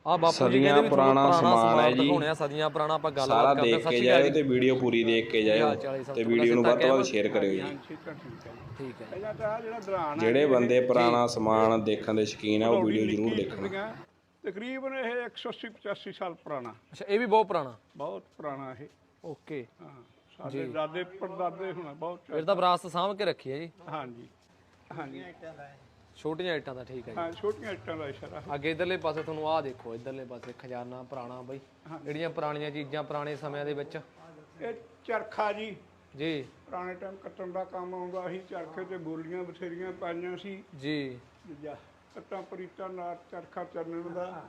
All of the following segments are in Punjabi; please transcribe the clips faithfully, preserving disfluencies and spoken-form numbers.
ਆ ਬਾਪੂ ਜੀ ਸਦੀਆਂ ਕਹਿੰਦੇ ਵੀ ਪੁਰਾਣਾ ਪੁਰਾਣਾ ਸਮਾਨ ਹੈ ਜੀ। ਦਿਖਾਉਣੇ ਆ, ਸਦੀਆਂ ਪੁਰਾਣਾ ਆਪਾਂ ਸਾਰਾ ਗੱਲਬਾਤ ਕਰਦੇ ਦੇਖ ਸੱਚੀ ਕੇ ਗੱਲ ਜਾਇਓ ਤੇ ਵੀਡੀਓ ਪੂਰੀ ਦੇਖ ਕੇ ਜਾਇਓ ਤੇ ਵੀਡੀਓ ਨੂੰ ਵੱਧ ਤੋਂ ਵੱਧ ਸ਼ੇਅਰ ਕਰਿਓ ਜੀ। ਠੀਕ ਹੈ ਠੀਕ ਹੈ ਠੀਕ ਹੈ ਪਹਿਲਾਂ ਤਾਂ ਆਹ ਜਿਹੜਾ ਦਰਾਨ ਜਿਹੜੇ ਬੰਦੇ ਪੁਰਾਣਾ ਸਮਾਨ ਦੇਖਣ ਦੇ ਸ਼ੌਕੀਨ ਆ ਉਹ ਵੀਡੀਓ ਜ਼ਰੂਰ ਦੇਖਣ। ਤਕਰੀਬਨ ਇਹ ਇੱਕ ਸੌ ਅੱਸੀ ਪਚਾਸੀ ਸਾਲ ਪੁਰਾਣਾ। ਅੱਛਾ ਇਹ ਵੀ ਬਹੁਤ ਪੁਰਾਣਾ। ਬਹੁਤ ਪੁਰਾਣਾ ਇਹ। ਓਕੇ ਹਾਂ ਸਾਡੇ ਦਾਦੇ ਪੜਦਾਦੇ ਹੋਣਾ ਬਹੁਤ। ਫਿਰ ਤਾਂ ਵਿਰਾਸਤ ਸਾਂਭ ਕੇ ਰੱਖੀ ਹੈ ਜੀ। ਹਾਂਜੀ ਹਾਂਜੀ ਛੋਟੀਆਂ ਇੱਟਾਂ ਦਾ। ਠੀਕ ਹੈ ਜੀ। ਹਾਂ ਛੋਟੀਆਂ ਇੱਟਾਂ ਦਾ ਇਸ਼ਾਰਾ। ਅੱਗੇ ਇਧਰਲੇ ਪਾਸੇ ਤੁਹਾਨੂੰ ਆਹ ਦੇਖੋ, ਇਧਰਲੇ ਪਾਸੇ ਖਜ਼ਾਨਾ ਪੁਰਾਣਾ ਬਈ, ਜਿਹੜੀਆਂ ਪੁਰਾਣੀਆਂ ਚੀਜ਼ਾਂ ਪੁਰਾਣੇ ਸਮਿਆਂ ਦੇ ਵਿੱਚ। ਇਹ ਚਰਖਾ ਜੀ ਜੀ ਪੁਰਾਣੇ ਟਾਈਮ ਕੱਟਣ ਦਾ ਕੰਮ ਆਉਂਦਾ ਸੀ। ਚਰਖੇ ਤੇ ਬੋਲੀਆਂ ਬਥੇਰੀਆਂ ਪਾਈਆਂ ਸੀ ਜੀ ਦੂਜਾ ਕੱਟਾਂ ਪਰੀਤਾਂ ਨਾਲ ਚਰਖਾ ਚੱਲਣ ਦਾ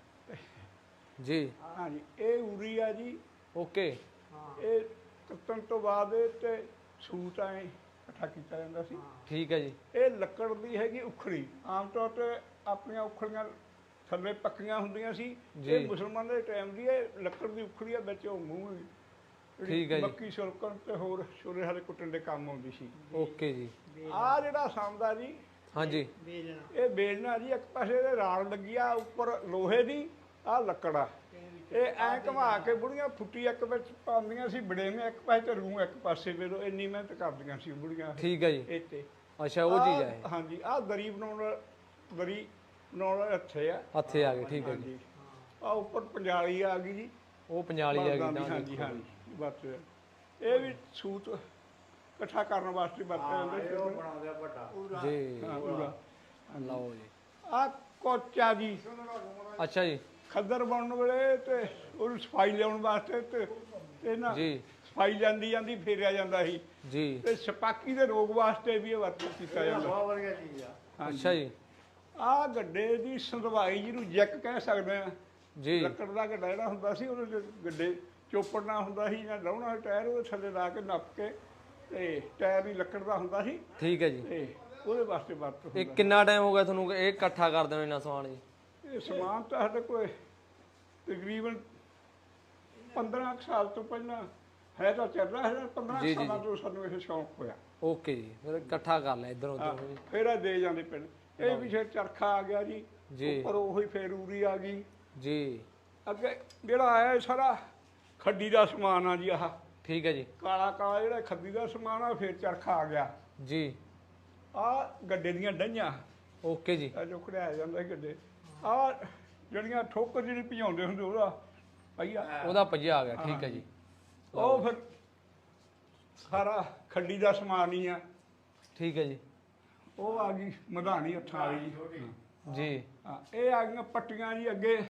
ਜੀ। ਹਾਂਜੀ ਇਹ ਉਰੀ ਆ ਜੀ। ਓਕੇ ਇਹ ਕੱਟਣ ਤੋਂ ਬਾਅਦ ਇਹ ਤੇ ਸੂਤ ਐ ਇਕੱਠਾ ਕੀਤਾ ਜਾਂਦਾ ਸੀ। ਠੀਕ ਹੈ ਜੀ। ਇਹ ਲੱਕੜ ਦੀ ਹੈਗੀ ਉਖੜੀ। ਆਮ ਤੌਰ ਤੇ ਆਪਣੀਆਂ ਉਖੜੀਆਂ ਥੱਲੇ ਪੱਕੀਆਂ ਹੁੰਦੀਆਂ ਸੀ। ਇਹ ਮੁਸਲਮਾਨ ਦੇ ਟਾਈਮ ਦੀ ਇਹ ਲੱਕੜ ਦੀ ਉਖੜੀ ਆ, ਵਿੱਚ ਉਹ ਮੂੰਹ ਠੀਕ ਹੈ ਜੀ। ਮੱਕੀ ਛਿਲਕਣ ਤੇ ਹੋਰ ਛੋਲੇ ਹਾਲੇ ਕੁੱਟਣ ਦੇ ਕੰਮ ਆਉਂਦੀ ਸੀ। ਓਕੇ ਜੀ। ਆਹ ਜਿਹੜਾ ਸਾਂਦਾ ਜੀ ਹਾਂਜੀ ਇਹ ਬੇਲਣਾ ਜੀ। ਇੱਕ ਪਾਸੇ ਦੇ ਰਾਲ ਲੱਗੀ ਆ ਉੱਪਰ ਲੋਹੇ ਦੀ, ਆਹ ਲੱਕੜ ਆ। ਇਹ ਐਂ ਘੁਮਾ ਕੇ ਬੁੜੀਆਂ ਫੁੱਟੀ ਇੱਕ ਵਿੱਚ ਪਾਉਂਦੀਆਂ ਸੀ ਬੜੇਵੇਂ, ਇੱਕ ਪਾਸੇ ਤੇ ਰੂਹ ਇੱਕ ਪਾਸੇ ਵੇਲੋ। ਇੰਨੀ ਮਿਹਨਤ ਕਰਦੀਆਂ ਸੀ ਬੁੜੀਆਂ। ਠੀਕ ਹੈ ਜੀ। ਇਹ ਤੇ ਅੱਛਾ ਉਹ ਚੀਜ਼ ਹੈ। ਹਾਂਜੀ ਆਹ ਦਰੀ ਬਣਾਉਣ ਦਰੀ ਬਣਾਉਣ ਵਾਲੇ ਹੱਥੇ ਆ। ਹੱਥੇ ਆ ਗਏ। ਠੀਕ ਹੈ ਜੀ। ਆ ਉੱਪਰ ਪੰਜਾਲੀ ਆ ਗਈ ਜੀ। ਉਹ ਪੰਜਾਲੀ ਆ ਗਈ। ਹਾਂਜੀ ਹਾਂਜੀ ਬਸ ਇਹ ਵੀ ਸੂਤ ਇਕੱਠਾ ਕਰਨ ਵਾਸਤੇ ਵਰਤਿਆ ਜਾਂਦਾ ਜੀ। ਹਾਂ ਲਓ ਜੀ। ਆ ਕੋਚਾ ਜੀ। ਅੱਛਾ ਜੀ। ਖੱਦਰ ਬਣਨ ਵੇਲੇ ਤੇ ਉਹਨੂੰ ਸਫਾਈ ਲਿਆਉਣ ਵਾਸਤੇ ਤੇ ਤੇ ਨਾ ਜੀ ਸਫਾਈ ਜਾਂਦੀ ਜਾਂਦੀ ਫੇਰਿਆ ਜਾਂਦਾ ਸੀ ਜੀ। ਤੇ ਛਪਾਕੀ ਦੇ ਰੋਗ ਵਾਸਤੇ ਵੀ ਇਹ ਵਰਤੋਂ ਕੀਤਾ ਜਾਂਦਾ। ਬਹੁਤ ਵਧੀਆ ਚੀਜ਼ ਆ। ਅੱਛਾ ਜੀ। ਆਹ ਗੱਡੇ ਦੀ ਸੰਧਵਾਈ ਜਿਹਨੂੰ ਜੈਕ ਕਹਿ ਸਕਦੇ ਆ ਜੀ। ਲੱਕੜ ਦਾ ਗੱਡਾ ਜਿਹੜਾ ਹੁੰਦਾ ਸੀ ਉਹਦੇ ਗੱਡੇ ਚੋਪੜਨਾ ਹੁੰਦਾ ਸੀ ਜਾਂ ਲਾਉਣਾ ਟਾਇਰ ਉਹਦੇ ਥੱਲੇ ਲਾ ਕੇ ਨੱਪ ਕੇ ਤੇ ਟਾਇਰ ਵੀ ਲੱਕੜ ਦਾ ਹੁੰਦਾ ਸੀ। ਠੀਕ ਹੈ ਜੀ। ਤੇ ਉਹਦੇ ਵਾਸਤੇ ਵਰਤ ਹੁੰਦਾ। ਇਹ ਕਿੰਨਾ ਟਾਈਮ ਹੋ ਗਿਆ ਤੁਹਾਨੂੰ ਇਹ ਇਕੱਠਾ ਕਰਦੇ ਹੋ ਇੰਨਾ ਸਮਾਨ ਜੀ? ਇਹ ਸਮਾਨ ਤਾਂ ਸਾਡੇ ਕੋਲ ਤਕਰੀਬਨ ਪੰਦਰਾਂ ਸਾਲ ਤੋਂ ਪਹਿਲਾਂ ਹੈ ਤਾਂ ਚੱਲ ਰਿਹਾ ਹੈ। ਪੰਦਰਾਂ ਸਾਲਾਂ ਤੋਂ ਸਾਨੂੰ ਇਹ ਸ਼ੌਂਕ ਹੋਇਆ। ਓਕੇ ਜੀ। ਫਿਰ ਇਕੱਠਾ ਕਰ ਲਿਆ ਇੱਧਰ ਉੱਧਰ ਜੀ। ਫਿਰ ਇਹ ਦੇ ਜਾਂਦੇ ਪਿੰਡ। ਇਹ ਵੀ ਫਿਰ ਚਰਖਾ ਆ ਗਿਆ ਜੀ। ਜੀ। ਉੱਪਰ ਉਹੀ ਫੇਰ ਉਰੀ ਆ ਗਈ ਜੀ। ਅੱਗੇ ਜਿਹੜਾ ਆਇਆ ਇਹ ਸਾਰਾ ਖੱਡੀ ਦਾ ਸਮਾਨ ਆ ਜੀ। ਆਹ ਠੀਕ ਹੈ ਜੀ। ਕਾਲਾ ਕਾਲਾ ਜਿਹੜਾ ਖੱਡੀ ਦਾ ਸਮਾਨ ਆ। ਫਿਰ ਚਰਖਾ ਆ ਗਿਆ ਜੀ। ਆ ਗੱਡੇ ਦੀਆਂ ਡਈਆਂ। ਓਕੇ ਜੀ। ਆ ਜੋ ਖੜਿਆ ਜਾਂਦਾ ਸੀ ਗੱਡੇ। ਆ ਜਿਹੜੀਆਂ ਠੋਕਰ ਜਿਹੜੀ ਭਜਾਉਂਦੇ ਹੁੰਦੇ ਉਹਦਾ ਪਈਆ ਉਹਦਾ ਪੱਜਾ ਆ ਗਿਆ। ਠੀਕ ਹੈ ਜੀ। ਉਹ ਫਿਰ ਸਾਰਾ ਖੱਡੀ ਦਾ ਸਮਾਨ ਹੀ ਆ। ਠੀਕ ਹੈ ਜੀ। ਉਹ ਆ ਗਈ ਮਧਾਣੀ ਹੱਥਾਂ ਵਾਲੀ ਜੀ। ਜੀ। ਹਾਂ ਇਹ ਆ ਗਈਆਂ ਪੱਟੀਆਂ ਜੀ। ਅੱਗੇ